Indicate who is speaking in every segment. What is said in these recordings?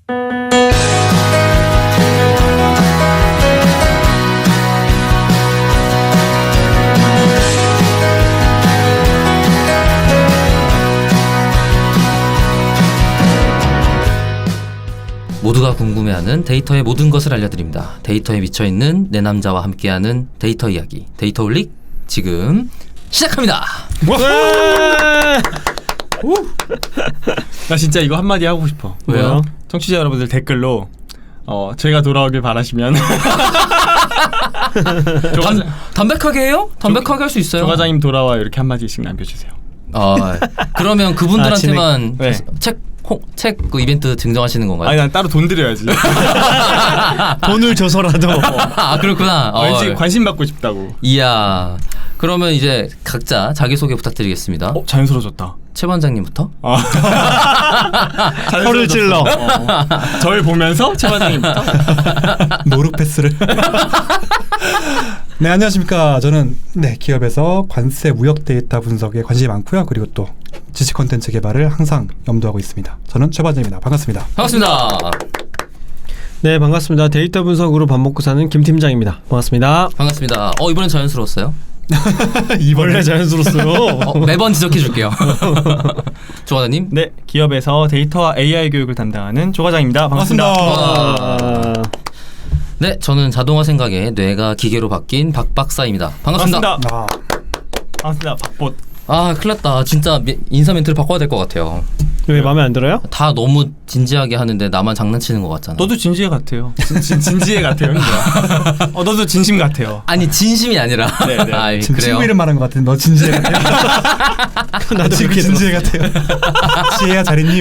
Speaker 1: 모두가 궁금해하는 데이터의 모든 것을 알려드립니다. 데이터에 미쳐있는 내 남자와 함께하는 데이터 이야기, 데이터홀릭 지금 시작합니다.
Speaker 2: 나 진짜 이거 한마디 하고 싶어.
Speaker 1: 왜요?
Speaker 2: 청취자 여러분들 댓글로 저희가 돌아오길 바라시면
Speaker 1: 담백하게 해요? 담백하게 할 수 있어요.
Speaker 2: 조 과장님 돌아와 이렇게 한마디씩 남겨주세요.
Speaker 1: 그러면 그분들한테만
Speaker 2: 네.
Speaker 1: 책 그 이벤트 증정하시는 건가요?
Speaker 2: 아니 난 따로 돈 드려야지.
Speaker 3: 돈을 줘서라도.
Speaker 1: 아 그렇구나.
Speaker 2: 왠지 관심 받고 싶다고.
Speaker 1: 이야. 그러면 이제 각자 자기소개 부탁드리겠습니다.
Speaker 2: 자연스러워졌다.
Speaker 1: 최 반장님부터.
Speaker 3: 혀를 찔러.
Speaker 2: 저를 보면서 최 반장님부터.
Speaker 4: 노룩 패스를. 네, 안녕하십니까. 저는 기업에서 관세 무역 데이터 분석에 관심이 많고요. 그리고 또 지식 콘텐츠 개발을 항상 염두하고 있습니다. 저는 최 반장입니다. 반갑습니다.
Speaker 1: 반갑습니다.
Speaker 3: 네, 반갑습니다. 데이터 분석으로 밥 먹고 사는 김 팀장입니다. 반갑습니다.
Speaker 1: 반갑습니다. 이번엔 자연스러웠어요.
Speaker 3: 원래 자연스러웠어요.
Speaker 1: 매번 지적해 줄게요. 조 과장님.
Speaker 2: 네, 기업에서 데이터와 AI 교육을 담당하는 조 과장입니다. 반갑습니다.
Speaker 1: 네, 저는 자동화 생각에 뇌가 기계로 바뀐 박 박사입니다. 반갑습니다.
Speaker 2: 반갑습니다. 박봇.
Speaker 1: 큰일 났다. 진짜 인사 멘트를 바꿔야 될 것 같아요.
Speaker 3: 왜 마음에 안 들어요?
Speaker 1: 다 너무 진지하게 하는데 나만 장난치는 것 같잖아.
Speaker 2: 너도 진지해 같아요. 진지해 같아요. 너도 진심 같아요.
Speaker 1: 아니 진심이 아니라.
Speaker 2: 네네.
Speaker 4: 지금
Speaker 1: 그래요?
Speaker 4: 친구 이름 말한 것 같은데 너 진지해 같아요?
Speaker 3: 나도
Speaker 4: 지금
Speaker 3: 그렇게
Speaker 4: 진지해 같아요. 지혜야 잘 있니?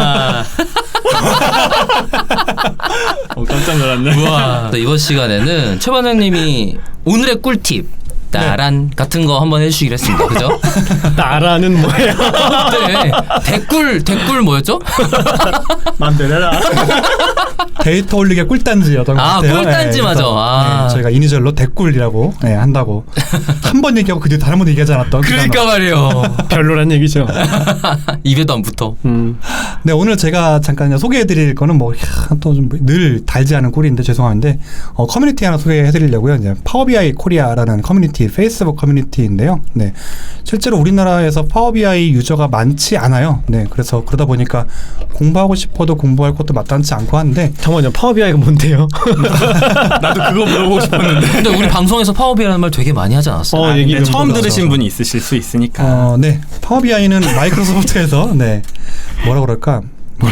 Speaker 2: 깜짝 놀랐네.
Speaker 1: 우와. 이번 시간에는 최 반장님이 오늘의 꿀팁 나란 같은 거 한번 해주시기로 했습니다. 그죠?
Speaker 3: 나라는 뭐예요?
Speaker 1: 네. 댓글 뭐였죠?
Speaker 2: 맘대로 해라.
Speaker 4: 데이터 올리기의 꿀단지였던 것 같아요.
Speaker 1: 꿀단지 맞아.
Speaker 4: 그래서, 저희가 이니셜로 댓꿀이라고 한다고 한 번 얘기하고 그 뒤에 다른 번 얘기하지 않았던.
Speaker 1: 그러니까 말이에요.
Speaker 3: 별로란 얘기죠.
Speaker 1: 입에도 안 붙어.
Speaker 4: 네, 오늘 제가 잠깐 소개해드릴 거는 또 좀 늘 달지 않은 꿀인데 죄송한데 커뮤니티 하나 소개해드리려고요. 이제 파워비아이 코리아라는 커뮤니티, 페이스북 커뮤니티인데요. 네, 실제로 우리나라에서 파워비아이 유저가 많지 않아요. 네, 그래서 그러다 보니까 공부하고 싶어도 공부할 것도 마땅치 않고 한데.
Speaker 3: 잠깐만요, 파워비아이가 뭔데요?
Speaker 2: 나도 그거 물어보고 싶었는데.
Speaker 1: 근데 우리 방송에서 파워비아이라는 말 되게 많이 하지 않았어요?
Speaker 2: 얘기 처음 들으신 분이 있으실 수 있으니까.
Speaker 4: 네, 파워비아이는 마이크로소프트에서 뭐라 그럴까?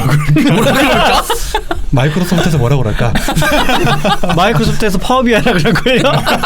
Speaker 4: 마이크로소프트에서 뭐라 그럴까?
Speaker 3: 마이크로소프트에서 파워비아이라 그럴 거예요.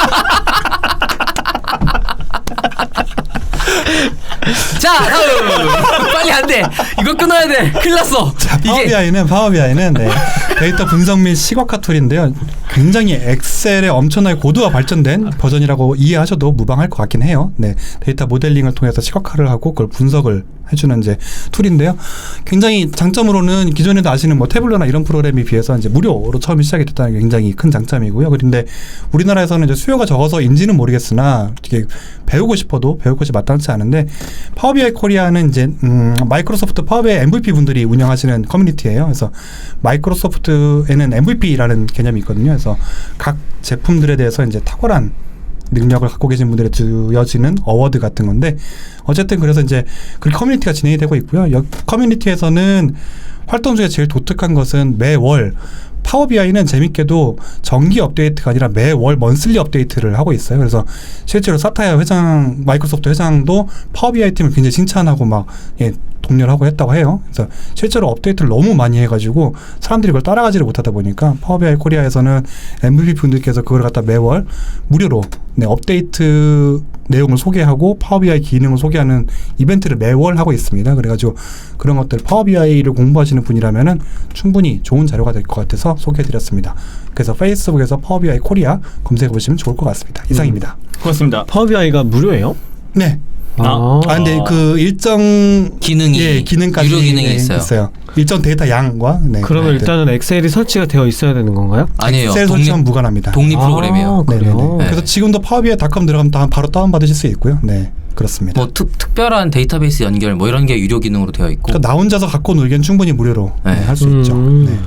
Speaker 1: 자, 빨리 안 돼. 이거 끊어야 돼. 큰일 났어.
Speaker 4: 자, 파워비아이는 데이터 분석 및 시각화 툴인데요. 굉장히 엑셀의 엄청나게 고도화 발전된 버전이라고 이해하셔도 무방할 것 같긴 해요. 네, 데이터 모델링을 통해서 시각화를 하고 그걸 분석을 해주는 이제 툴인데요. 굉장히 장점으로는 기존에도 아시는 태블러나 이런 프로그램에 비해서 이제 무료로 처음 시작이 됐다는 게 굉장히 큰 장점이고요. 그런데 우리나라에서는 이제 수요가 적어서인지는 모르겠으나 이게 배우고 싶어도 배울 것이 마땅치 않은데 파워비아이 코리아는 이제 마이크로소프트 파워비아이 MVP 분들이 운영하시는 커뮤니티예요. 그래서 마이크로소프트에는 MVP라는 개념이 있거든요. 그래서 각 제품들에 대해서 이제 탁월한 능력을 갖고 계신 분들에 주어지는 어워드 같은 건데 어쨌든 그래서 이제 그 커뮤니티가 진행이 되고 있고요. 커뮤니티에서는 활동 중에 제일 독특한 것은 매월 파워비아이는 재밌게도 정기 업데이트가 아니라 매월 먼슬리 업데이트를 하고 있어요. 그래서 실제로 사타야 회장, 마이크로소프트 회장도 파워비아이 팀을 굉장히 칭찬하고 독려를 하고 했다고 해요. 그래서 실제로 업데이트를 너무 많이 해가지고 사람들이 그걸 따라가지를 못하다 보니까 파워비아이 코리아에서는 MVP 분들께서 그걸 갖다 매월 무료로 업데이트 내용을 소개하고 파워비아이 기능을 소개하는 이벤트를 매월 하고 있습니다. 그래가지고 그런 것들 파워비아이를 공부하시는 분이라면은 충분히 좋은 자료가 될 것 같아서 소개해드렸습니다. 그래서 페이스북에서 파워비아이 코리아 검색해보시면 좋을 것 같습니다. 이상입니다.
Speaker 2: 고맙습니다.
Speaker 3: 파워비아이가 무료예요?
Speaker 4: 네. 근데 그 일정
Speaker 1: 기능이
Speaker 4: 기능까지
Speaker 1: 유료 기능이 있어요.
Speaker 4: 일정 데이터 양과
Speaker 3: 그러면 일단은 엑셀이 설치가 되어 있어야 되는 건가요?
Speaker 1: 아니에요.
Speaker 4: 엑셀 설치는 무관합니다.
Speaker 1: 독립 프로그램이에요.
Speaker 3: 그래요?
Speaker 4: 네. 그래서 지금도 파워비아이.com 들어가면 바로 다운받으실 수 있고요. 네, 그렇습니다.
Speaker 1: 특별한 데이터베이스 연결 이런 게 유료 기능으로 되어 있고.
Speaker 4: 그러니까 나 혼자서 갖고 놀기엔 충분히 무료로 할 수 있죠. 네.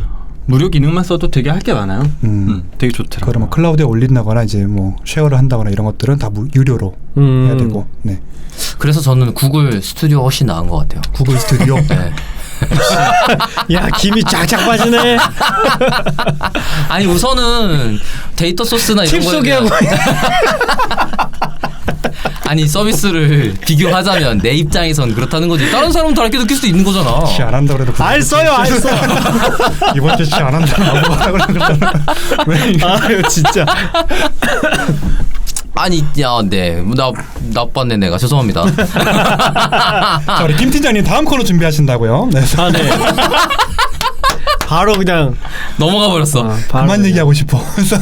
Speaker 2: 무료 기능만 써도 되게 할 게 많아요. 되게 좋더라고요.
Speaker 4: 그러면 클라우드에 올린다거나 이제 뭐 쉐어를 한다거나 이런 것들은 다 유료로 해야 되고. 네.
Speaker 1: 그래서 저는 구글 스튜디오가 훨씬 나은 것 같아요.
Speaker 4: 구글 스튜디오.
Speaker 1: 네.
Speaker 3: 야 김이 쫙쫙 빠지네.
Speaker 1: 아니 우선은 데이터 소스나 이런
Speaker 3: 팁
Speaker 1: 거에
Speaker 3: 소개하고.
Speaker 1: 아니 서비스를 비교하자면 내 입장에선 그렇다는 거지. 다른 사람은 다르게 느낄 수도 있는 거잖아.
Speaker 4: 시 안 한다 그래도
Speaker 3: 알 써요, 알 써.
Speaker 4: 이번 주에 시 안 한다 나보고 하라 그러잖아. 왜 이거?
Speaker 3: 아유 진짜.
Speaker 1: 아니 나 나빴네 내가 죄송합니다.
Speaker 4: 자 우리 김 팀장님 다음 코너 준비하신다고요? 네.
Speaker 3: 아 네. 바로 그냥
Speaker 1: 넘어가 버렸어.
Speaker 3: 바로
Speaker 4: 그만
Speaker 3: 그냥.
Speaker 4: 얘기하고 싶어.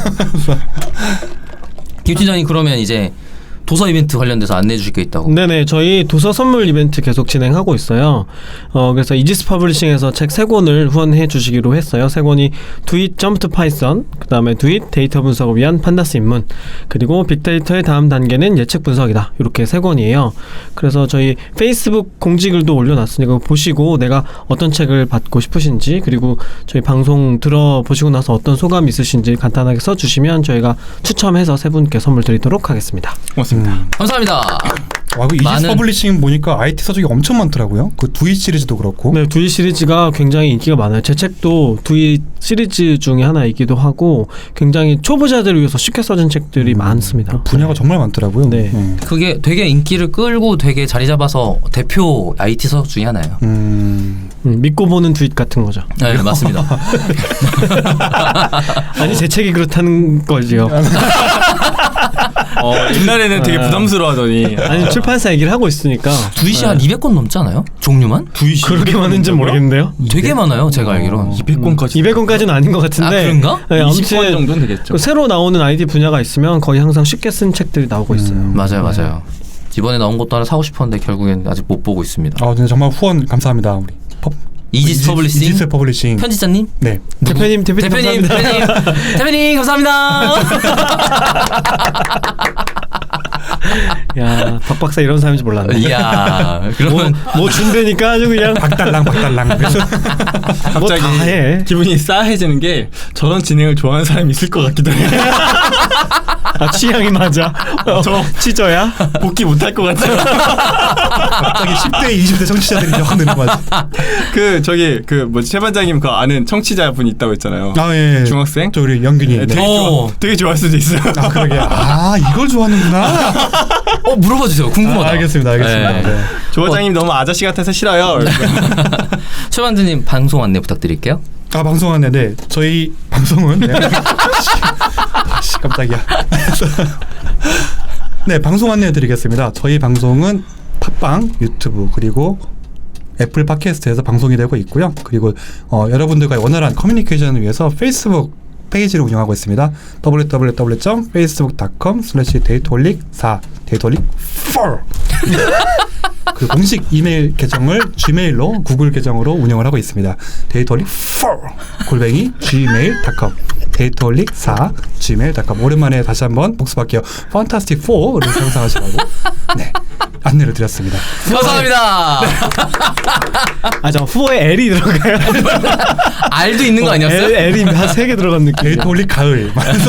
Speaker 1: 김 팀장님 그러면 이제 도서 이벤트 관련돼서 안내해 주실 게 있다고.
Speaker 3: 네네, 저희 도서 선물 이벤트 계속 진행하고 있어요. 그래서 이지스 퍼블리싱에서 책 3권을 후원해 주시기로 했어요. 3권이 Do It Jump to Python, 그 다음에 Do It 데이터 분석을 위한 판다스 입문, 그리고 빅데이터의 다음 단계는 예측 분석이다. 이렇게 3권이에요. 그래서 저희 페이스북 공지글도 올려놨으니까 보시고 내가 어떤 책을 받고 싶으신지, 그리고 저희 방송 들어보시고 나서 어떤 소감 있으신지 간단하게 써주시면 저희가 추첨해서 3분께 선물 드리도록 하겠습니다.
Speaker 2: 고맙습니다.
Speaker 1: 감사합니다.
Speaker 4: 와, 그 이지스
Speaker 1: 많은-
Speaker 4: 퍼블리싱 보니까 IT 서적이 엄청 많더라고요. 그 두이 시리즈도 그렇고.
Speaker 3: 네, 두이 시리즈가 굉장히 인기가 많아요. 제 책도 두이 시리즈 중에 하나이기도 하고 굉장히 초보자들을 위해서 쉽게 써진 책들이 많습니다.
Speaker 4: 분야가 정말 많더라고요.
Speaker 3: 네.
Speaker 1: 그게 되게 인기를 끌고 되게 자리 잡아서 대표 IT 서적 중에 하나예요.
Speaker 3: 믿고 보는 두잇 같은 거죠.
Speaker 1: 네 맞습니다.
Speaker 3: 아니 제 책이 그렇다는 거지요.
Speaker 2: 옛날에는 되게 부담스러워하더니
Speaker 3: 아니 출판사 얘기를 하고 있으니까
Speaker 1: 두이시 한 200권 넘지 않아요? 종류만?
Speaker 3: 그렇게 많은지 모르겠는데요.
Speaker 1: 되게 많아요. 제가 알기로는.
Speaker 2: 200권까지
Speaker 3: 200권까지는 아닌 것 같은데.
Speaker 1: 아, 그런가?
Speaker 3: 네,
Speaker 2: 20권 정도는 되겠죠.
Speaker 3: 그 새로 나오는 IT 분야가 있으면 거의 항상 쉽게 쓴 책들이 나오고 있어요.
Speaker 1: 맞아요. 이번에 나온 것도 하나 사고 싶었는데 결국엔 아직 못 보고 있습니다.
Speaker 4: 아, 근데 정말 후원 감사합니다. 우리
Speaker 1: 이지스 퍼블리싱
Speaker 4: 이지스 퍼블리싱.
Speaker 1: 편집자님?
Speaker 4: 네.
Speaker 3: 대표님 감사합니다.
Speaker 1: 대표님 감사합니다.
Speaker 3: 야, 박 박사 이런 사람인지 몰랐네.
Speaker 1: 이야 그러면
Speaker 3: 뭐 준대니까 아주 그냥
Speaker 4: 박달랑.
Speaker 3: 뭐 다 해.
Speaker 2: 기분이 싸해지는 게 저런 진행을 좋아하는 사람이 있을 것 같기도 해요.
Speaker 3: 아, 취향이 맞아.
Speaker 2: 저
Speaker 3: 치저야?
Speaker 2: 복귀 못할 것 같아요.
Speaker 4: 갑자기 10대, 20대 청취자들이 확 느는 거지.
Speaker 2: 최 반장님 그 아는 청취자 분 있다고 했잖아요.
Speaker 4: 아, 예.
Speaker 2: 중학생?
Speaker 4: 저 우리 영균이.
Speaker 2: 네,
Speaker 4: 네.
Speaker 2: 되게 좋아할 수도 있어요.
Speaker 4: 아, 그러게. 아, 이걸 좋아하는구나.
Speaker 1: 물어봐 주세요. 궁금하다.
Speaker 4: 알겠습니다.
Speaker 1: 네.
Speaker 4: 네.
Speaker 2: 조 과장님 너무 아저씨 같아서 싫어요.
Speaker 1: 최반장님 방송 안내 부탁드릴게요.
Speaker 4: 아, 방송 안내. 네. 저희 방송은 네. 씨, 깜짝이야. 네, 방송 안내 드리겠습니다. 저희 방송은 팟빵, 유튜브, 그리고 애플 팟캐스트에서 방송이 되고 있고요. 그리고 여러분들과의 원활한 커뮤니케이션을 위해서 페이스북 페이지를 운영하고 있습니다. www.facebook.com/데이터홀릭4 데이터홀릭4 그 공식 이메일 계정을 gmail로 구글 계정으로 운영을 하고 있습니다. 데이터홀릭4 gmail.com 데이터홀릭4 gmail.com 오랜만에 다시 한번 복습할게요. 판타스틱 4를 상상하시라고 네 안내를 드렸습니다.
Speaker 1: 감사합니다.
Speaker 3: 아, 저 후보에 L이 들어가요.
Speaker 1: R도 있는 거 아니었어요?
Speaker 3: L이 한 3개 들어간 느낌.
Speaker 4: 데이터홀릭 가을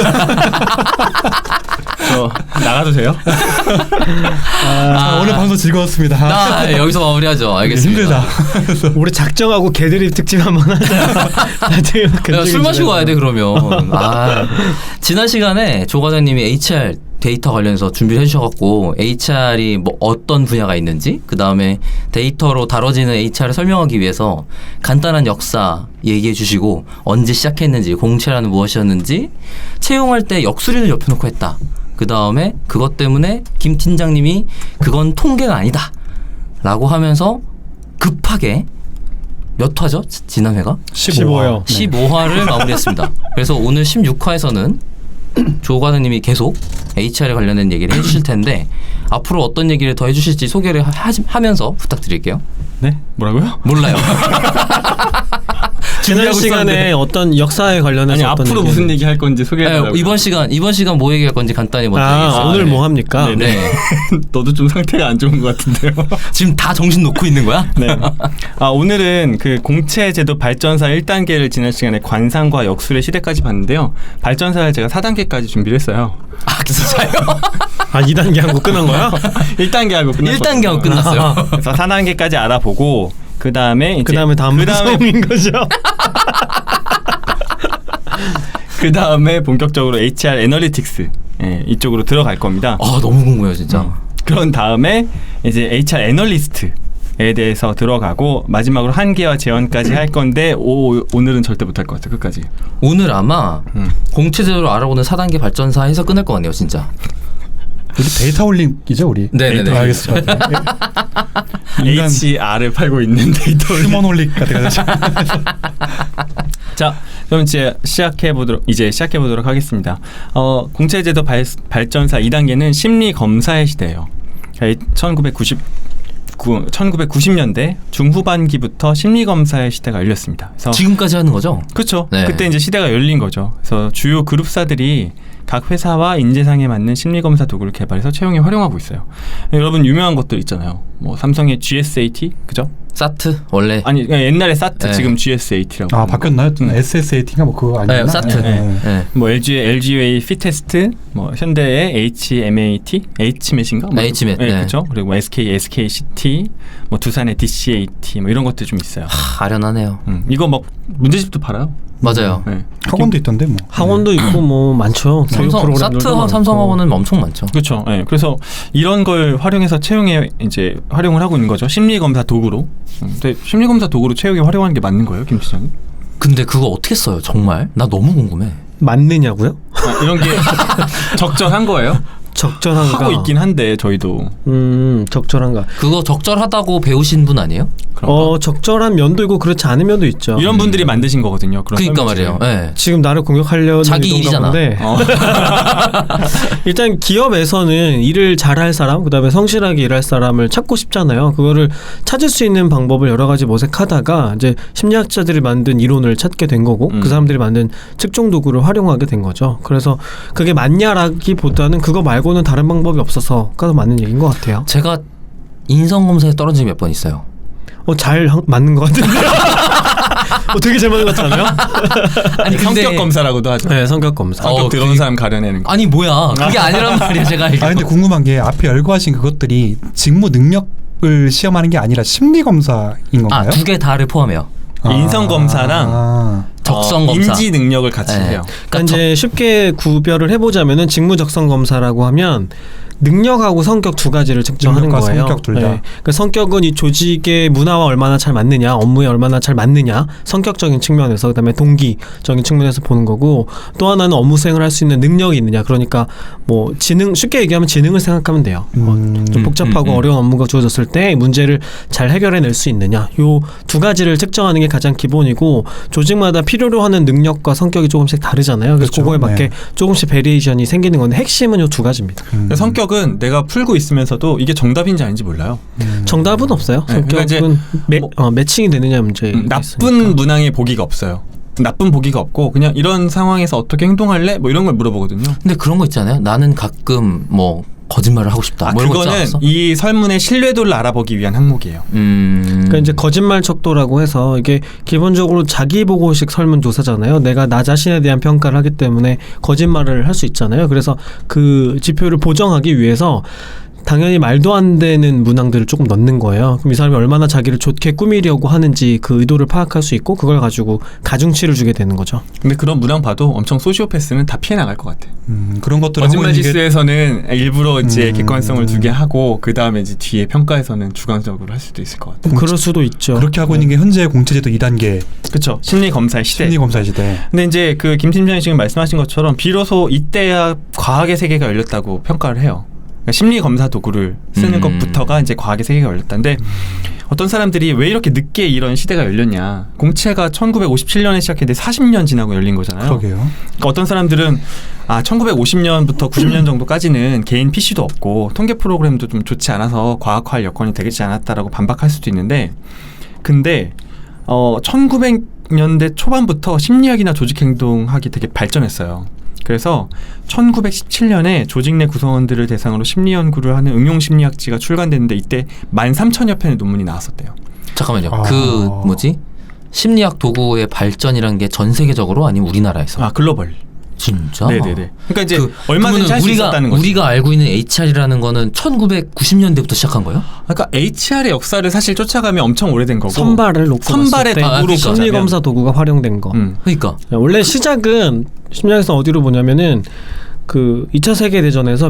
Speaker 2: 저 나가도 돼요?
Speaker 4: 자, 오늘 방송 즐거웠습니다.
Speaker 1: 아, 여기서 마무리하죠. 알겠습니다.
Speaker 4: 힘들다.
Speaker 3: 우리 작정하고 개드립 특집 한번 하자.
Speaker 1: 야, 술 마시고 와야 돼 그러면. 지난 시간에 조 과장님이 HR 데이터 관련해서 준비를 해주셔갖고 HR이 뭐 어떤 분야가 있는지 그 다음에 데이터로 다뤄지는 HR을 설명하기 위해서 간단한 역사 얘기해 주시고 언제 시작했는지 공채라는 무엇이었는지 채용할 때 역수리를 옆에 놓고 했다. 그 다음에 그것 때문에 김 팀장님이 그건 통계가 아니다 라고 하면서 급하게 몇 화죠? 지난 회가?
Speaker 3: 15화요.
Speaker 1: 15화를 마무리했습니다. 그래서 오늘 16화에서는 조 과장님이 계속 HR에 관련된 얘기를 해주실 텐데 앞으로 어떤 얘기를 더 해주실지 소개를 하면서 부탁드릴게요.
Speaker 2: 네? 뭐라고요?
Speaker 1: 몰라요.
Speaker 3: 지난 시간에 어떤 역사에 관련해서
Speaker 2: 아니
Speaker 3: 어떤
Speaker 2: 앞으로
Speaker 3: 얘기-
Speaker 2: 무슨 얘기 할 건지 소개해달라고.
Speaker 1: 네, 이번 시간 뭐 얘기할 건지 간단히 먼저 얘기해주세요.
Speaker 3: 오늘
Speaker 1: 네.
Speaker 3: 뭐 합니까?
Speaker 2: 네.
Speaker 1: 네.
Speaker 2: 너도 좀 상태가 안 좋은 것 같은데요.
Speaker 1: 지금 다 정신 놓고 있는 거야?
Speaker 2: 네. 오늘은 그 공채제도 발전사 1단계를 지난 시간에 관상과 역술의 시대까지 봤는데요. 발전사를 제가 4단계까지 준비를 했어요.
Speaker 1: 아 진짜요?
Speaker 3: 2단계 하고 끝난 거야?
Speaker 2: 1단계 하고 끝났거든요.
Speaker 1: 1단계 하고 끝났어요.
Speaker 2: 그래서 4단계까지 알아보고 그 다음에
Speaker 3: 그다음에 다음 방송인 거죠.
Speaker 2: 그 다음에 본격적으로 HR 애널리틱스 이쪽으로 들어갈 겁니다.
Speaker 1: 아 너무 궁금해요 진짜.
Speaker 2: 그런 다음에 이제 HR 애널리스트에 대해서 들어가고 마지막으로 한계와 재현까지 할 건데 오늘은 절대 못할 것 같아요. 끝까지.
Speaker 1: 오늘 아마 공체제도를 알아보는 4단계 발전사에서 끝날 것 같네요 진짜.
Speaker 4: 우리 데이터 홀릭이죠 우리.
Speaker 1: 네네네.
Speaker 4: 알겠습니다. 인간
Speaker 2: HR을 팔고 있는 데이터
Speaker 4: 휴먼 홀릭 같은
Speaker 2: 자, 그럼 이제 시작해 보도록 하겠습니다. 공체제도 발전사 2단계는 심리 검사의 시대예요. 1990년대 중후반기부터 심리 검사의 시대가 열렸습니다. 그래서
Speaker 1: 지금까지 하는 거죠?
Speaker 2: 그렇죠.
Speaker 1: 네.
Speaker 2: 그때 이제 시대가 열린 거죠. 그래서 주요 그룹사들이 각 회사와 인재상에 맞는 심리 검사 도구를 개발해서 채용에 활용하고 있어요. 여러분 유명한 것들 있잖아요. 뭐 삼성의 GSAT, 그죠?
Speaker 1: 사트 원래
Speaker 2: 아니 옛날에 사트
Speaker 1: 네.
Speaker 2: 지금 GSAT라고.
Speaker 4: 아 바뀌었나요? SSAT인가 뭐 그거 아니었나?
Speaker 1: 네, 사트.
Speaker 2: 네.
Speaker 1: 네.
Speaker 2: 뭐 LG의 피테스트, 뭐 현대의 HMAT, HMAT인가? 뭐
Speaker 1: HMAT,
Speaker 2: 네,
Speaker 1: 네.
Speaker 2: 그렇죠. 그리고 뭐 SKCT, 뭐 두산의 DCAT, 뭐 이런 것들 좀 있어요.
Speaker 1: 아련하네요.
Speaker 2: 이거 막 문제집도 팔아요.
Speaker 1: 맞아요.
Speaker 2: 네.
Speaker 4: 학원도 있던데 뭐.
Speaker 3: 학원도 있고 뭐 많죠. 교육
Speaker 1: 삼성
Speaker 3: 프로그램들도
Speaker 1: 사트
Speaker 3: 많고.
Speaker 1: 삼성 학원은 엄청 많죠.
Speaker 2: 그렇죠. 네. 그래서 이런 걸 활용해서 채용에 이제 활용을 하고 있는 거죠. 심리 검사 도구로. 근데 심리 검사 도구로 채용에 활용하는 게 맞는 거예요, 김 시장님?
Speaker 1: 근데 그거 어떻게 써요? 정말? 나 너무 궁금해.
Speaker 3: 맞느냐고요?
Speaker 2: 이런 게 적절한 거예요?
Speaker 3: 적절한가?
Speaker 2: 하고 있긴 한데 저희도
Speaker 3: 적절한가?
Speaker 1: 그거 적절하다고 배우신 분 아니에요?
Speaker 2: 그런가?
Speaker 3: 적절한 면도 있고 그렇지 않은 면도 있죠.
Speaker 2: 이런 분들이 만드신 거거든요. 그런
Speaker 1: 그러니까
Speaker 2: 설문지를.
Speaker 1: 말이에요. 네.
Speaker 3: 지금 나를 공격하려는
Speaker 1: 자기
Speaker 3: 의도인가
Speaker 1: 일이잖아.
Speaker 3: 본데
Speaker 2: 어.
Speaker 3: 일단 기업에서는 일을 잘할 사람, 그다음에 성실하게 일할 사람을 찾고 싶잖아요. 그거를 찾을 수 있는 방법을 여러 가지 모색하다가 이제 심리학자들이 만든 이론을 찾게 된 거고 그 사람들이 만든 측정 도구를 활용하게 된 거죠. 그래서 그게 맞냐라기보다는 그거 말고는 다른 방법이 없어서가 더 맞는 얘기인 것 같아요.
Speaker 1: 제가 인성 검사에 떨어진 적이 몇 번 있어요.
Speaker 3: 잘 맞는 것 같은데. 되게 잘 맞는 것 같잖아요.
Speaker 1: 아니 근데
Speaker 2: 성격 검사라고도 하죠.
Speaker 3: 네, 성격 검사.
Speaker 2: 성격 들어온
Speaker 1: 그게-
Speaker 2: 사람 가려내는 거.
Speaker 1: 아니 뭐야? 그게 아니란 말이야 제가 알기로.
Speaker 4: 아 근데 궁금한 게 앞에 열거하신 그것들이 직무 능력을 시험하는 게 아니라 심리 검사인 건가요?
Speaker 1: 두 개 다를 포함해요.
Speaker 2: 인성 검사랑
Speaker 1: 적성 검사.
Speaker 2: 인지 능력을 같이
Speaker 1: 네.
Speaker 2: 해요.
Speaker 3: 그러니까 이제 쉽게 구별을 해보자면은 직무 적성 검사라고 하면 능력하고 성격 두 가지를 측정하는
Speaker 4: 능력과
Speaker 3: 거예요.
Speaker 4: 성격 둘 다.
Speaker 3: 그러니까 성격은 이 조직의 문화와 얼마나 잘 맞느냐, 업무에 얼마나 잘 맞느냐, 성격적인 측면에서 그다음에 동기적인 측면에서 보는 거고 또 하나는 업무 수행을 할 수 있는 능력이 있느냐. 그러니까 뭐 지능 쉽게 얘기하면 지능을 생각하면 돼요. 좀 복잡하고 어려운 업무가 주어졌을 때 문제를 잘 해결해낼 수 있느냐. 요 두 가지를 측정하는 게 가장 기본이고 조직마다 필요로 하는 능력과 성격이 조금씩 다르잖아요. 그래서
Speaker 4: 그렇죠.
Speaker 3: 그거에 맞게
Speaker 4: 네.
Speaker 3: 조금씩 베리에이션이 생기는 건데 핵심은 요 두 가지입니다.
Speaker 2: 성격은 내가 풀고 있으면서도 이게 정답인지 아닌지 몰라요.
Speaker 3: 정답은 없어요.
Speaker 2: 네, 그러니까
Speaker 3: 성격은
Speaker 2: 뭐-
Speaker 3: 매칭이 되느냐 문제.
Speaker 2: 나쁜 문항의 보기가 없어요. 나쁜 보기가 없고 그냥 이런 상황에서 어떻게 행동할래? 뭐 이런 걸 물어보거든요.
Speaker 1: 근데 그런 거 있잖아요. 나는 가끔 뭐 거짓말을 하고 싶다. 뭐 이런 거 있지
Speaker 2: 그거는
Speaker 1: 않았어?
Speaker 2: 이 설문의 신뢰도를 알아보기 위한 항목이에요.
Speaker 3: 그러니까 이제 거짓말 척도라고 해서 이게 기본적으로 자기 보고식 설문 조사잖아요. 내가 나 자신에 대한 평가를 하기 때문에 거짓말을 할 수 있잖아요. 그래서 그 지표를 보정하기 위해서 당연히 말도 안 되는 문항들을 조금 넣는 거예요. 그럼 이 사람이 얼마나 자기를 좋게 꾸미려고 하는지 그 의도를 파악할 수 있고 그걸 가지고 가중치를 주게 되는 거죠.
Speaker 2: 근데 그런 문항 봐도 엄청 소시오패스는 다 피해 나갈 것 같아.
Speaker 4: 그런 것들
Speaker 2: 거짓말 지수에서는 일부러 이제 객관성을 두게 하고 그 다음에 이제 뒤에 평가에서는 주관적으로 할 수도 있을 것 같아.
Speaker 3: 그럴 수도 있죠.
Speaker 4: 그렇게 하고 있는 게 현재 공채제도 2단계
Speaker 2: 그렇죠. 심리 검사의 시대.
Speaker 4: 심리 검사 시대.
Speaker 2: 근데 이제 그 김 팀장이 지금 말씀하신 것처럼 비로소 이때야 과학의 세계가 열렸다고 평가를 해요. 그러니까 심리 검사 도구를 쓰는 것부터가 이제 과학의 세계가 열렸다는데 어떤 사람들이 왜 이렇게 늦게 이런 시대가 열렸냐. 공채가 1957년에 시작했는데 40년 지나고 열린 거잖아요.
Speaker 4: 그러게요.
Speaker 2: 그러니까 어떤 사람들은 1950년부터 90년 정도까지는 개인 PC도 없고 통계 프로그램도 좀 좋지 않아서 과학화할 여건이 되지 않았다라고 반박할 수도 있는데 근데 1900년대 초반부터 심리학이나 조직행동학이 되게 발전했어요. 그래서 1917년에 조직 내 구성원들을 대상으로 심리 연구를 하는 응용심리학지가 출간됐는데 이때 13,000여 편의 논문이 나왔었대요.
Speaker 1: 잠깐만요. 심리학 도구의 발전이란 게 전 세계적으로 아니면 우리나라에서?
Speaker 2: 글로벌.
Speaker 1: 진짜?
Speaker 2: 네네네. 그러니까 이제 얼마든지 할 수 있었다는 거죠.
Speaker 1: 우리가 알고 있는 HR이라는 거는 1990년대부터 시작한 거예요?
Speaker 2: 그러니까 HR의 역사를 사실 쫓아가면 엄청 오래된 거고
Speaker 3: 선발을 놓고
Speaker 2: 선발의
Speaker 3: 봤을 때
Speaker 2: 도구로
Speaker 3: 심리 검사 도구가 활용된 거.
Speaker 1: 그러니까
Speaker 3: 원래 시작은 심리학에서 어디로 보냐면은 그 2차 세계 대전에서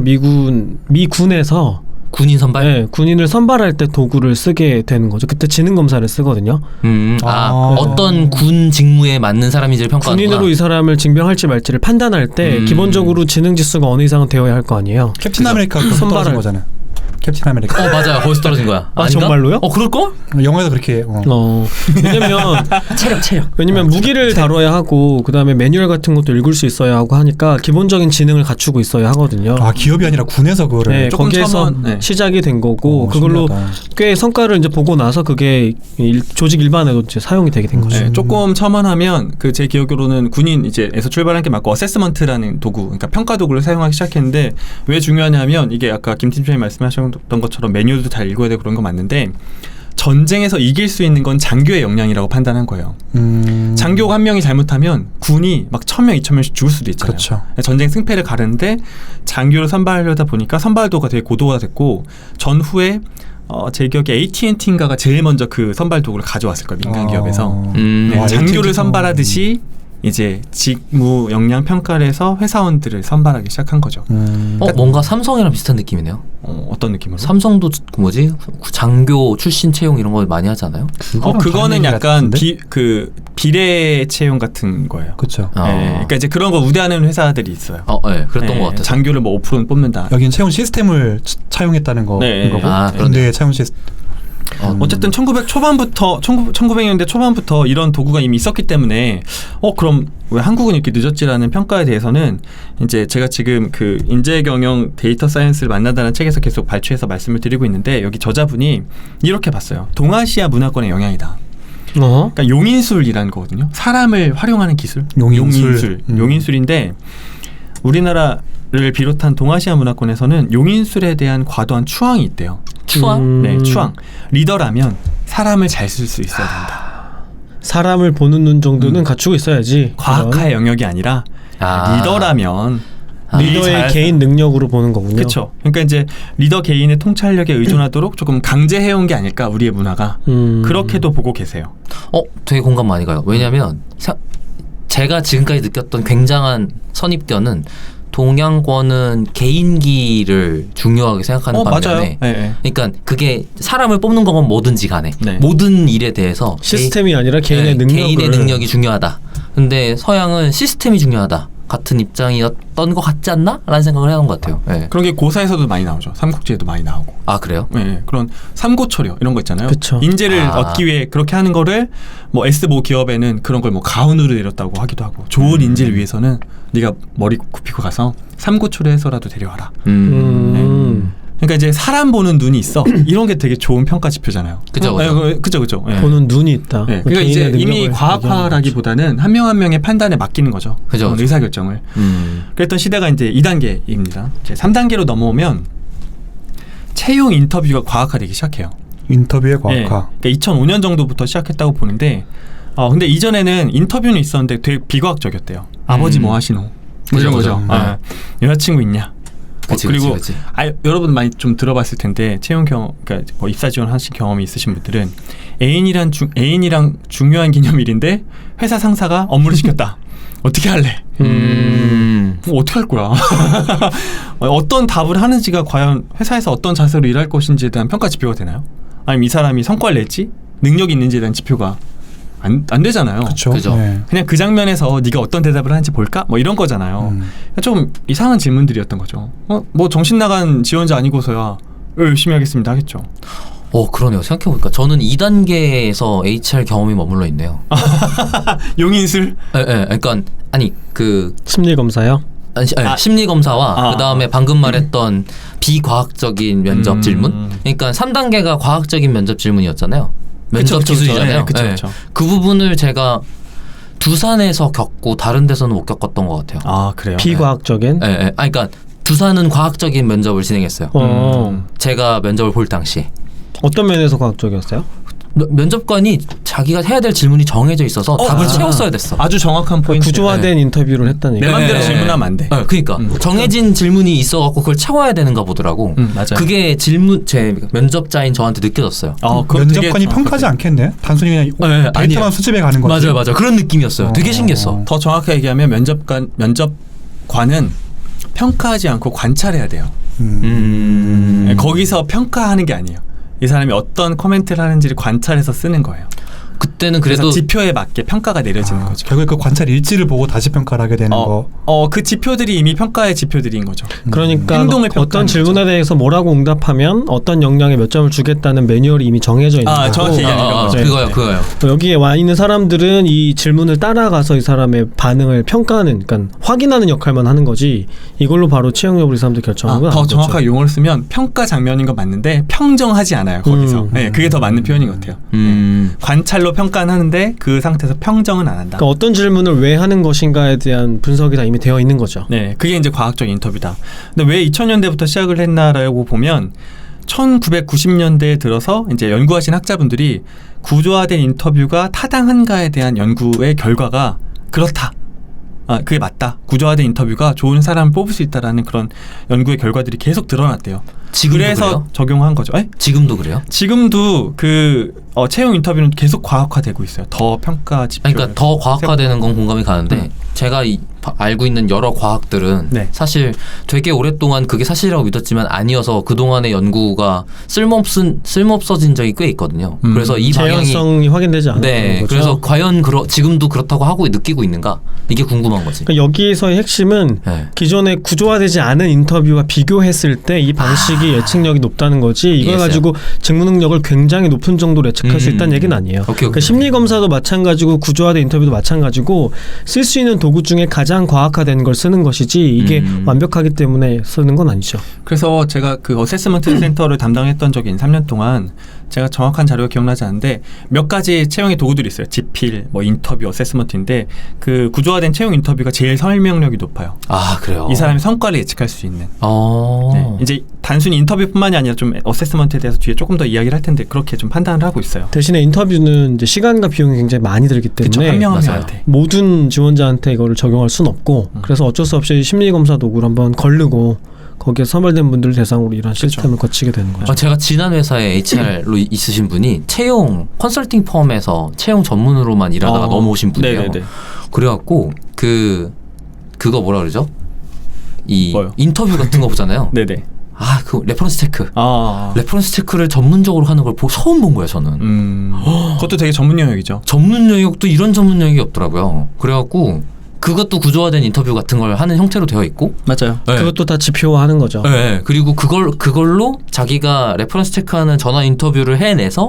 Speaker 3: 미군에서
Speaker 1: 군인 선발?
Speaker 3: 네, 군인을 선발할 때 도구를 쓰게 되는 거죠. 그때 지능 검사를 쓰거든요.
Speaker 1: 어떤 군 직무에 맞는 사람인지를 평가하는구나.
Speaker 3: 군인으로 이 사람을 징병할지 말지를 판단할 때 기본적으로 지능 지수가 어느 이상은 되어야 할 거 아니에요.
Speaker 4: 캡틴 아메리카 선발한 거잖아요. 캡틴 아메리카.
Speaker 1: 맞아요. 거기서 떨어진 거야.
Speaker 3: 아, 정말로요?
Speaker 1: 그럴걸?
Speaker 4: 영화에서 그렇게.
Speaker 3: 왜냐면
Speaker 1: 체력.
Speaker 3: 왜냐면 무기를 다뤄야 하고 그다음에 매뉴얼 같은 것도 읽을 수 있어야 하고 하니까 기본적인 지능을 갖추고 있어야 하거든요.
Speaker 4: 기업이 아니라 군에서 그거를.
Speaker 3: 네, 거기에서 시작이 된 거고 그걸로
Speaker 4: 신기하다.
Speaker 3: 꽤 성과를 이제 보고 나서 그게 조직 일반에도 이제 사용이 되게 된 거죠.
Speaker 2: 네, 조금 첨언하면 제 기억으로는 군인 이제에서 출발한 게 맞고 어세스먼트라는 도구, 그러니까 평가 도구를 사용하기 시작했는데 왜 중요하냐면 이게 아까 김 팀장님 말씀하셨던 것처럼 매뉴얼도 잘 읽어야 되고 그런 거 맞는데 전쟁에서 이길 수 있는 건 장교의 역량이라고 판단한 거예요. 장교가 한 명이 잘못하면 군이 막 1,000명, 2,000명씩 죽을 수도 있잖아요.
Speaker 4: 그렇죠.
Speaker 2: 전쟁 승패를 가르는데 장교를 선발하려다 보니까 선발도가 되게 고도가 됐고 전후에 제 기억에 AT&T인가가 제일 먼저 그 선발 도구를 가져왔을 거예요. 민간 기업에서. 장교를 선발하듯이 이제 직무 역량 평가를 해서 회사원들을 선발하기 시작한 거죠.
Speaker 1: 뭔가 삼성이랑 비슷한 느낌이네요.
Speaker 2: 어떤 느낌으로?
Speaker 1: 삼성도 장교 출신 채용 이런 거 많이 하잖아요.
Speaker 2: 그거는 약간 비례 채용 같은 거예요.
Speaker 4: 그렇죠.
Speaker 2: 네, 그러니까 이제 그런 거 우대하는 회사들이 있어요.
Speaker 1: 네, 그랬던 것 같아요.
Speaker 2: 장교를 5%는 뽑는다.
Speaker 4: 여긴 채용 시스템을 차용했다는 거고. 군대의 채용 시스템.
Speaker 2: 어쨌든 1900년대 초반부터 이런 도구가 이미 있었기 때문에 그럼 왜 한국은 이렇게 늦었지라는 평가에 대해서는 이제 제가 지금 그 인재경영 데이터 사이언스를 만나다는 책에서 계속 발췌해서 말씀을 드리고 있는데 여기 저자분이 이렇게 봤어요. 동아시아 문화권의 영향이다. 그러니까 용인술이라는 거거든요. 사람을 활용하는 기술. 용인술인데 우리나라를 비롯한 동아시아 문화권에서는 용인술에 대한 과도한 추앙이 있대요.
Speaker 1: 추앙?
Speaker 2: 네, 추앙. 리더라면 사람을 잘 쓸 수 있어야 된다.
Speaker 3: 사람을 보는 눈 정도는 갖추고 있어야지.
Speaker 2: 과학화의 영역이 아니라 리더라면
Speaker 3: 리더의 개인 능력으로 보는 거군요.
Speaker 2: 그렇죠. 그러니까 이제 리더 개인의 통찰력에 의존하도록 조금 강제해온 게 아닐까 우리의 문화가 그렇게도 보고 계세요.
Speaker 1: 되게 공감 많이 가요. 왜냐하면 제가 지금까지 느꼈던 굉장한 선입견은 동양권은 개인기를 중요하게 생각하는 반면에 그러니까 그게 사람을 뽑는 거면 뭐든지 간에 모든 일에 대해서
Speaker 3: 시스템이 아니라 개인의
Speaker 1: 능력이 중요하다. 근데 서양은 시스템이 중요하다. 같은 입장이었던 것 같지 않나? 라는 생각을 해온 것 같아요.
Speaker 2: 그런 게 고사에서도 많이 나오죠. 삼국지에도 많이 나오고.
Speaker 1: 그래요?
Speaker 2: 네, 그런 삼고초려 이런 거 있잖아요.
Speaker 3: 그쵸.
Speaker 2: 인재를 얻기 위해 그렇게 하는 거를 S모 기업에는 그런 걸 가훈으로 내렸다고 하기도 하고 좋은 인재를 위해서는 네가 머리 굽히고 가서 삼고초려해서라도 데려와라. 그러니까 이제 사람 보는 눈이 있어. 이런 게 되게 좋은 평가 지표잖아요.
Speaker 1: 그죠.
Speaker 3: 보는 눈이 있다.
Speaker 2: 그러니까 이제 이미 과학화라기보다는 한 명 한 명의 판단에 맡기는 거죠.
Speaker 1: 그죠.
Speaker 2: 의사 결정을. 그랬던 시대가 이제 2단계입니다. 이제 3단계로 넘어오면 채용 인터뷰가 과학화되기 시작해요.
Speaker 4: 인터뷰의 과학화.
Speaker 2: 그러니까 2005년 정도부터 시작했다고 보는데, 근데 이전에는 인터뷰는 있었는데 되게 비과학적이었대요. 아버지 뭐 하시노? 이런 거죠. 여자친구 있냐? 그리고 여러분 많이 좀 들어봤을 텐데 채용 경험, 그러니까 입사 지원하신 경험이 있으신 분들은 애인이랑 중요한 기념일인데 회사 상사가 업무를 시켰다. 어떻게 할래? 어떻게 할 거야? 어떤 답을 하는지가 과연 회사에서 어떤 자세로 일할 것인지에 대한 평가 지표가 되나요? 아니면 이 사람이 성과를 냈지? 능력이 있는지에 대한 지표가 안 되잖아요.
Speaker 4: 그렇죠.
Speaker 1: 그죠.
Speaker 4: 네.
Speaker 2: 그냥 그 장면에서 네가 어떤 대답을 하는지 볼까? 뭐 이런 거잖아요. 좀 이상한 질문들이었던 거죠. 뭐 정신 나간 지원자 아니고서야 열심히 하겠습니다 하겠죠.
Speaker 1: 그러네요. 생각해보니까 저는 2단계에서 HR 경험이 머물러 있네요.
Speaker 2: 용인술?
Speaker 1: 그러니까 아니 그
Speaker 3: 심리 검사요?
Speaker 1: 심리 검사와 그 다음에 방금 말했던 비과학적인 면접 질문. 그러니까 3단계가 과학적인 면접 질문이었잖아요. 면접
Speaker 2: 그쵸,
Speaker 1: 기술이잖아요.
Speaker 2: 그쵸. 네, 그쵸.
Speaker 1: 그 부분을 제가 두산에서 겪고 다른 데서는 못 겪었던 것 같아요.
Speaker 2: 아 그래요?
Speaker 3: 비과학적인?
Speaker 1: 그러니까 두산은 과학적인 면접을 진행했어요. 제가 면접을 볼 당시.
Speaker 3: 어떤 면에서 과학적이었어요?
Speaker 1: 면접관이 자기가 해야 될 질문이 정해져 있어서 답을 채웠어야 됐어.
Speaker 2: 아주 정확한 포인트.
Speaker 3: 구조화된 인터뷰를 했다는
Speaker 2: 내
Speaker 3: 얘기.
Speaker 2: 맘대로 질문하면 안 돼.
Speaker 1: 그러니까 정해진 질문이 있어갖고 그걸 채워야 되는가 보더라고.
Speaker 2: 맞아요.
Speaker 1: 그게 제 면접자인 저한테 느껴졌어요.
Speaker 4: 면접관이 평가하지 않겠네. 단순히 그냥 데이터만
Speaker 1: 아니에요.
Speaker 4: 수집해 가는 거지.
Speaker 1: 맞아요. 그런 느낌이었어요. 되게 신기했어.
Speaker 2: 더 정확하게 얘기하면 면접관은 평가하지 않고 관찰해야 돼요. 거기서 평가하는 게 아니에요. 이 사람이 어떤 코멘트를 하는지를 관찰해서 쓰는 거예요.
Speaker 1: 그때는 그래도
Speaker 2: 그래서 지표에 맞게 평가가 내려지는 거죠.
Speaker 4: 결국에 그 관찰 일지를 보고 다시 평가를 하게 되는 거.
Speaker 2: 그 지표들이 이미 평가의 지표들인 거죠.
Speaker 3: 그러니까
Speaker 2: 행동을
Speaker 3: 어떤 질문에
Speaker 2: 거죠.
Speaker 3: 대해서 뭐라고 응답하면 어떤 역량에 몇 점을 주겠다는 매뉴얼이 이미 정해져 있는 거고.
Speaker 2: 정확히 얘기하는 거죠.
Speaker 1: 그거요.
Speaker 3: 여기에 와 있는 사람들은 이 질문을 따라가서 이 사람의 반응을 평가하는, 그러니까 확인하는 역할만 하는 거지. 이걸로 바로 채용 여부를 이 사람들 결정하는 건
Speaker 2: 더
Speaker 3: 아니죠.
Speaker 2: 정확하게 용어를 쓰면 평가 장면인 건 맞는데 평정하지 않아요. 거기서. 네, 그게 더 맞는 표현인 것 같아요. 관찰로 평가는 하는데 그 상태에서 평정은 안 한다.
Speaker 3: 그러니까 어떤 질문을 왜 하는 것인가에 대한 분석이 다 이미 되어 있는 거죠.
Speaker 2: 네, 그게 이제 과학적 인터뷰다. 근데 왜 2000년대부터 시작을 했나라고 보면 1990년대에 들어서 이제 연구하신 학자분들이 구조화된 인터뷰가 타당한가에 대한 연구의 결과가 그렇다. 그게 맞다. 구조화된 인터뷰가 좋은 사람을 뽑을 수 있다라는 그런 연구의 결과들이 계속 드러났대요. 그래서
Speaker 1: 그래요?
Speaker 2: 적용한 거죠.
Speaker 1: 지금도 그래요?
Speaker 2: 지금도 채용 인터뷰는 계속 과학화되고 있어요. 더 평가 지표.
Speaker 1: 그러니까 더 과학화되는 건 공감이 가는데 제가 알고 있는 여러 과학들은 사실 되게 오랫동안 그게 사실이라고 믿었지만 아니어서 그동안의 연구가 쓸모없어진 적이 꽤 있거든요. 그래서 이 방향이
Speaker 3: 재현성이 확인되지 않은 거죠.
Speaker 1: 그래서 과연 지금도 그렇다고 하고 느끼고 있는가? 이게 궁금한 거지.
Speaker 3: 그러니까 여기서의 핵심은 기존에 구조화되지 않은 인터뷰와 비교했을 때 이 방식이 예측력이 높다는 거지. 이걸 가지고 직무 능력을 굉장히 높은 정도로 예측할 수 있다는 얘기는 아니에요. 그러니까 심리 검사도 마찬가지고 구조화된 인터뷰도 마찬가지고 쓸 수 있는 도구 중에 가장 과학화된 걸 쓰는 것이지 이게 완벽하기 때문에 쓰는 건 아니죠.
Speaker 2: 그래서 제가 그 어세스먼트 센터를 담당했던 적이 3년 동안 제가 정확한 자료가 기억나지 않는데 몇 가지 채용의 도구들이 있어요. 지필, 인터뷰, 어세스먼트인데 그 구조화된 채용 인터뷰가 제일 설명력이 높아요.
Speaker 1: 그래요?
Speaker 2: 이 사람의 성과를 예측할 수 있는.
Speaker 1: 네.
Speaker 2: 이제 단순히 인터뷰뿐만이 아니라 좀 어세스먼트에 대해서 뒤에 조금 더 이야기를 할 텐데 그렇게 좀 판단을 하고 있어요.
Speaker 3: 대신에 인터뷰는 이제 시간과 비용이 굉장히 많이 들기 때문에
Speaker 2: 한 명한테
Speaker 3: 모든 지원자한테 이거를 적용할 수는 없고 그래서 어쩔 수 없이 심리검사 도구를 한번 걸르고 거기에 선발된 분들을 대상으로 이런 시스템을 거치게 되는 거죠.
Speaker 1: 제가 지난 회사에 HR로 있으신 분이 채용 컨설팅 펌에서 채용 전문으로만 일하다가 넘어오신 분이에요.
Speaker 2: 네네네.
Speaker 1: 그래갖고 그거 뭐라 그러죠?
Speaker 2: 뭐요?
Speaker 1: 인터뷰 같은 거 보잖아요.
Speaker 2: 네네.
Speaker 1: 그 레퍼런스 체크.
Speaker 2: 아.
Speaker 1: 레퍼런스 체크를 전문적으로 하는 걸 처음 본 거예요, 저는.
Speaker 2: 그것도 되게 전문 영역이죠.
Speaker 1: 전문 영역도 이런 전문 영역이 없더라고요. 그래갖고 그것도 구조화된 인터뷰 같은 걸 하는 형태로 되어 있고.
Speaker 2: 맞아요.
Speaker 1: 네.
Speaker 3: 그것도 다 지표화하는 거죠.
Speaker 1: 네. 그리고 그걸로 자기가 레퍼런스 체크하는 전화 인터뷰를 해내서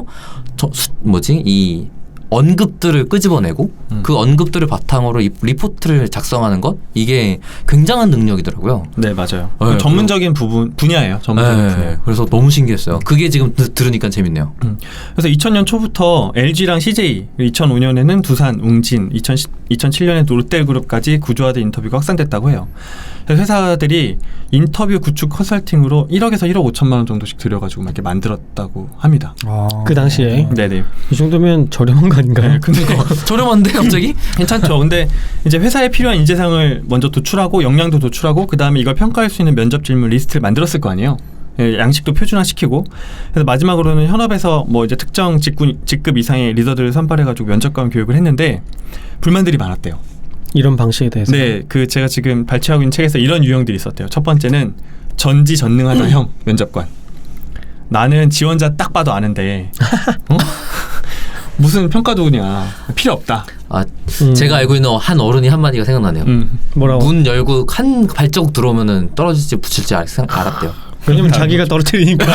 Speaker 1: 이 언급들을 끄집어내고 그 언급들을 바탕으로 이 리포트를 작성하는 것, 이게 굉장한 능력이더라고요.
Speaker 2: 네, 맞아요.
Speaker 1: 네,
Speaker 2: 전문적인 분야예요. 전문적인 분야.
Speaker 1: 그래서 너무 신기했어요. 그게 지금 들으니까 재밌네요.
Speaker 2: 그래서 2000년 초부터 LG랑 CJ, 2005년에는 두산, 웅진, 2007년에 롯데그룹까지 구조화된 인터뷰가 확산됐다고 해요. 그래서 회사들이 인터뷰 구축 컨설팅으로 1억에서 1억 5천만 원 정도씩 들여가지고 막 이렇게 만들었다고 합니다.
Speaker 3: 그 당시에.
Speaker 2: 네네.
Speaker 3: 이 정도면 저렴한 거 아닌가요?
Speaker 2: 네, 근데
Speaker 1: 저렴한데 갑자기?
Speaker 2: 괜찮죠. 근데 이제 회사에 필요한 인재상을 먼저 도출하고 역량도 도출하고 그 다음에 이걸 평가할 수 있는 면접 질문 리스트를 만들었을 거 아니에요. 양식도 표준화시키고 그래서 마지막으로는 현업에서 이제 특정 직급 이상의 리더들을 선발해가지고 면접관 교육을 했는데 불만들이 많았대요.
Speaker 3: 이런 방식에 대해서.
Speaker 2: 네, 제가 지금 발췌하고 있는 책에서 이런 유형들이 있었대요. 첫 번째는 전지전능하다 형 면접관. 나는 지원자 딱 봐도 아는데 무슨 평가 도구냐 필요 없다.
Speaker 1: 아 제가 알고 있는 한 어른이 한 마디가 생각나네요.
Speaker 3: 뭐라고?
Speaker 1: 문 열고 한 발자국 들어오면은 떨어질지 붙일지 알았대요.
Speaker 3: 왜냐면 자기가 떨어뜨리니까.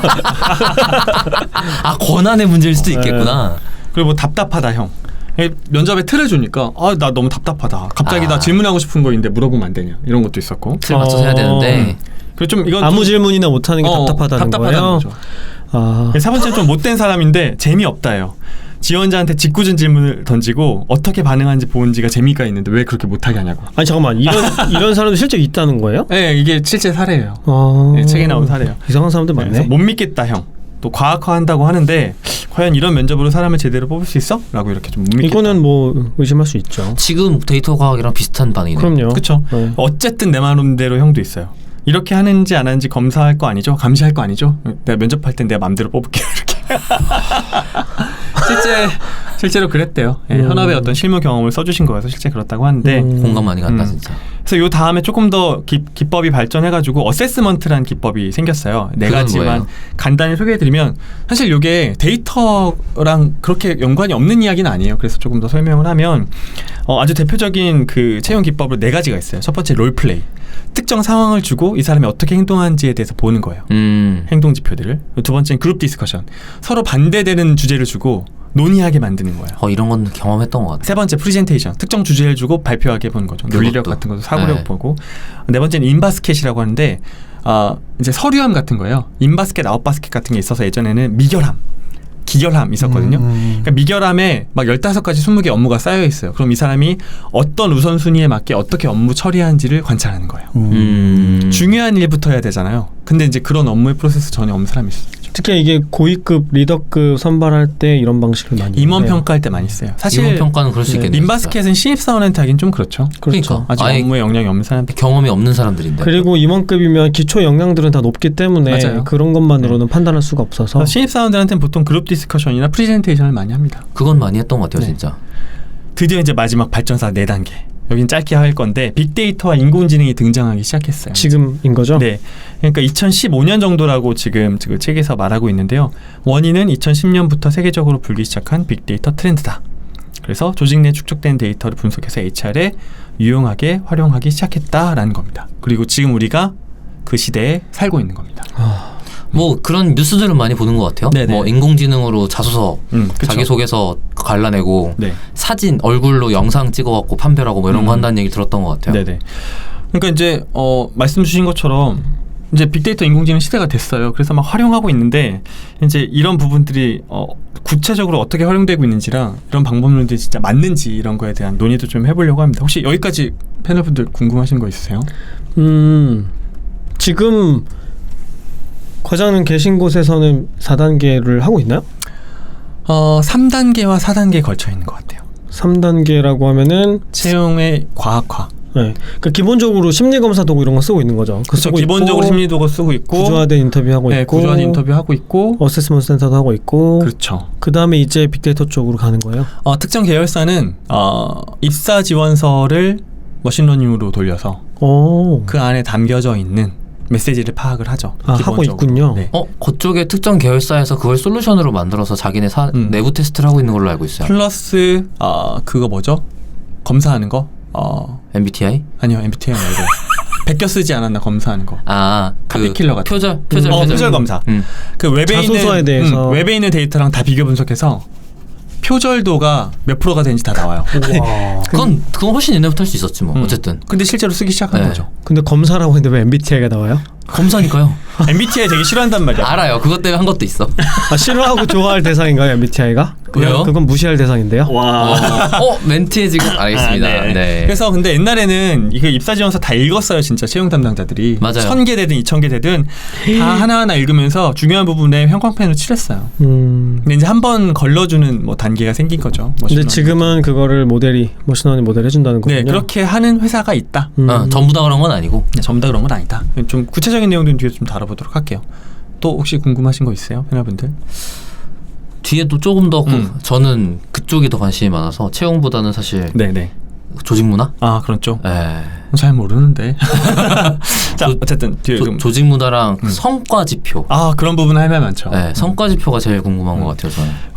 Speaker 1: 아 권한의 문제일 수도 있겠구나.
Speaker 2: 그리고 뭐 답답하다 형. 면접에 틀을 주니까 나 너무 답답하다. 갑자기
Speaker 1: 아.
Speaker 2: 나 질문하고 싶은 거 있는데 물어보면 안 되냐 이런 것도 있었고.
Speaker 1: 틀 맞춰서 해야 되는데
Speaker 2: 그리고 좀 이건
Speaker 3: 아무
Speaker 2: 좀
Speaker 3: 질문이나 못하는 게 답답하다는 거예요.
Speaker 2: 거죠.
Speaker 3: 아.
Speaker 2: 세 번째는 좀 못된 사람인데 재미없다예요. 지원자한테 짓궂은 질문을 던지고 어떻게 반응하는지 보는지가 재미가 있는데 왜 그렇게 못하게 하냐고.
Speaker 3: 아니 잠깐만 이런 사람도 실제 있다는 거예요?
Speaker 2: 네, 이게 실제 사례예요.
Speaker 3: 아.
Speaker 2: 네, 책에 나온 사례예요.
Speaker 3: 이상한 사람들 많네.
Speaker 2: 그래서 못 믿겠다 형. 또 과학화한다고 하는데 과연 이런 면접으로 사람을 제대로 뽑을 수 있어? 라고 이렇게 좀 못 믿겠다.
Speaker 3: 이거는 뭐 의심할 수 있죠.
Speaker 1: 지금 데이터 과학이랑 비슷한 반응이네요.
Speaker 3: 그럼요.
Speaker 2: 그렇죠.
Speaker 3: 네.
Speaker 2: 어쨌든 내 마음대로 형도 있어요. 이렇게 하는지 안 하는지 검사할 거 아니죠? 감시할 거 아니죠? 내가 면접할 땐 내가 마음대로 뽑을게요. 이렇게. 실제로 그랬대요. 예, 현업의 어떤 실무 경험을 써주신 거여서 실제 그렇다고 하는데
Speaker 1: 공감 많이 간다 진짜.
Speaker 2: 그래서 요 다음에 조금 더 기법이 발전해가지고 어세스먼트라는 기법이 생겼어요. 네
Speaker 1: 그건
Speaker 2: 가지만
Speaker 1: 뭐예요?
Speaker 2: 간단히 소개해드리면 사실 이게 데이터랑 그렇게 연관이 없는 이야기는 아니에요. 그래서 조금 더 설명을 하면 아주 대표적인 그 채용 기법으로 네 가지가 있어요. 첫 번째 롤플레이. 특정 상황을 주고 이 사람이 어떻게 행동하는지에 대해서 보는 거예요. 행동 지표들을. 두 번째는 그룹 디스커션. 서로 반대되는 주제를 주고 논의하게 만드는 거예요.
Speaker 1: 이런 건 경험했던 것 같아요.
Speaker 2: 세 번째 프리젠테이션. 특정 주제를 주고 발표하게 보는 거죠. 논리력
Speaker 1: 그것도.
Speaker 2: 같은 것도 사고력
Speaker 1: 네.
Speaker 2: 보고. 네 번째는 인바스켓이라고 하는데 이제 서류함 같은 거예요. 인바스켓, 아웃바스켓 같은 게 있어서 예전에는 미결함, 기결함 있었거든요. 그러니까 미결함에 막 15가지 20개 업무가 쌓여 있어요. 그럼 이 사람이 어떤 우선순위에 맞게 어떻게 업무 처리하는지를 관찰하는 거예요. 중요한 일부터 해야 되잖아요. 근데 이제 그런 업무의 프로세스 전혀 없는 사람이 있어요.
Speaker 3: 특히 이게 고위급 리더급 선발할 때 이런 방식을 많이
Speaker 2: 임원
Speaker 3: 해요.
Speaker 2: 평가할 때 많이 써요. 사실
Speaker 1: 이번 평가는 그럴 수 있겠네요.
Speaker 2: 인바스켓은 신입사원한테 하긴 좀 그렇죠.
Speaker 3: 그렇죠.
Speaker 1: 그러니까.
Speaker 2: 아직
Speaker 1: 아예
Speaker 2: 업무에 영향이 없는 사람들.
Speaker 1: 경험이 없는 사람들인데.
Speaker 3: 그리고 임원급이면 기초 역량들은 다 높기 때문에
Speaker 2: 맞아요.
Speaker 3: 그런 것만으로는 판단할 수가 없어서
Speaker 2: 신입사원들한테는 보통 그룹 디스커션이나 프레젠테이션을 많이 합니다.
Speaker 1: 그건 많이 했던 것 같아요,
Speaker 2: 네.
Speaker 1: 진짜.
Speaker 2: 드디어 이제 마지막 발전사 4단계. 여긴 짧게 할 건데 빅데이터와 인공지능이 등장하기 시작했어요.
Speaker 3: 지금인 거죠?
Speaker 2: 네. 그러니까 2015년 정도라고 지금 책에서 말하고 있는데요. 원인은 2010년부터 세계적으로 불기 시작한 빅데이터 트렌드다. 그래서 조직 내 축적된 데이터를 분석해서 HR에 유용하게 활용하기 시작했다라는 겁니다. 그리고 지금 우리가 그 시대에 살고 있는 겁니다.
Speaker 1: 뭐 그런 뉴스들은 많이 보는 것 같아요.
Speaker 2: 네네.
Speaker 1: 뭐 인공지능으로 자소서,
Speaker 2: 그쵸.
Speaker 1: 자기소개서 갈라내고
Speaker 2: 네.
Speaker 1: 사진, 얼굴로 영상 찍어갖고 판별하고 뭐 이런 거 한다는 얘기 들었던 것 같아요.
Speaker 2: 네네. 그러니까 이제 말씀 주신 것처럼 이제 빅데이터 인공지능 시대가 됐어요. 그래서 막 활용하고 있는데 이제 이런 부분들이 구체적으로 어떻게 활용되고 있는지랑 이런 방법론들이 진짜 맞는지 이런 거에 대한 논의도 좀 해보려고 합니다. 혹시 여기까지 패널분들 궁금하신 거 있으세요?
Speaker 3: 지금 과장님 계신 곳에서는 4단계를 하고 있나요?
Speaker 2: 3단계와 4단계에 걸쳐 있는 것 같아요.
Speaker 3: 3단계라고 하면은
Speaker 2: 채용의 과학화.
Speaker 3: 네. 그러니까 기본적으로 심리검사 도구 이런 거 쓰고 있는 거죠.
Speaker 2: 그래서 기본적으로 심리도구 쓰고 있고
Speaker 3: 구조화된 인터뷰하고
Speaker 2: 네,
Speaker 3: 있고
Speaker 2: 구조화된 인터뷰하고 있고
Speaker 3: 어세스먼트 센터도 하고 있고
Speaker 2: 그렇죠.
Speaker 3: 그 다음에 이제 빅데이터 쪽으로 가는 거예요.
Speaker 2: 특정 계열사는 입사 지원서를 머신러닝으로 돌려서
Speaker 3: 오.
Speaker 2: 그 안에 담겨져 있는 메시지를 파악을 하죠.
Speaker 3: 하고
Speaker 2: 기본적으로.
Speaker 3: 있군요.
Speaker 2: 네.
Speaker 1: 그쪽에 특정 계열사에서 그걸 솔루션으로 만들어서 자기네 내부 테스트를 하고 있는 걸로 알고 있어요.
Speaker 2: 플러스 그거 뭐죠? 검사하는 거?
Speaker 1: MBTI?
Speaker 2: 아니요, MBTI 말고 베껴 쓰지 않았나 검사하는 거. 카피킬러 같은 표절 검사. 그 웹에
Speaker 3: 자소서에
Speaker 2: 있는
Speaker 3: 대해서.
Speaker 2: 웹에 있는 데이터랑 다 비교 분석해서 표절도가 몇 프로가 되는지 다 나와요.
Speaker 1: 그건 훨씬 옛날부터 할 수 있었지 뭐. 어쨌든.
Speaker 2: 근데 실제로 쓰기 시작한
Speaker 1: 네.
Speaker 2: 거죠.
Speaker 3: 근데 검사라고 했는데 왜 MBTI가 나와요?
Speaker 1: 검사니까요.
Speaker 2: MBTI 되게 싫어한단 말이야.
Speaker 1: 알아요. 그것 때문에 한 것도 있어.
Speaker 3: 싫어하고 좋아할 대상인가요, MBTI가?
Speaker 1: 왜요?
Speaker 3: 그건 무시할 대상인데요.
Speaker 2: 와.
Speaker 1: 멘트에 지금 알겠습니다.
Speaker 2: 네.
Speaker 1: 네.
Speaker 2: 그래서 근데 옛날에는 이거 입사 지원서 다 읽었어요, 진짜 채용 담당자들이.
Speaker 1: 맞아요.
Speaker 2: 1000개 되든 2000개 되든 다 하나하나 읽으면서 중요한 부분에 형광펜으로 칠했어요. 근데 이제 한 번 걸러주는 뭐 단계가 생긴 거죠.
Speaker 3: 근데 지금은 그거를 머신러닝 모델 해준다는 거군요.
Speaker 2: 네, 그렇게 하는 회사가 있다.
Speaker 1: 전부 다 그런 건 아니고.
Speaker 2: 네, 전부 다 그런 건 아니다. 좀 구체적인 내용들은 뒤에 좀 다뤄보도록 할게요. 또 혹시 궁금하신 거 있어요, 패널분들?
Speaker 1: 뒤에도 조금 더 저는 그쪽이 더 관심이 많아서 채용보다는 사실
Speaker 2: 네네.
Speaker 1: 조직 문화?
Speaker 2: 그런 쪽?
Speaker 1: 네.
Speaker 2: 잘 모르는데. 자, 어쨌든 뒤에
Speaker 1: 조직 문화랑 성과 지표.
Speaker 2: 그런 부분 할 말 많죠.
Speaker 1: 네, 성과 지표가 제일 궁금한 것 같아요, 저는.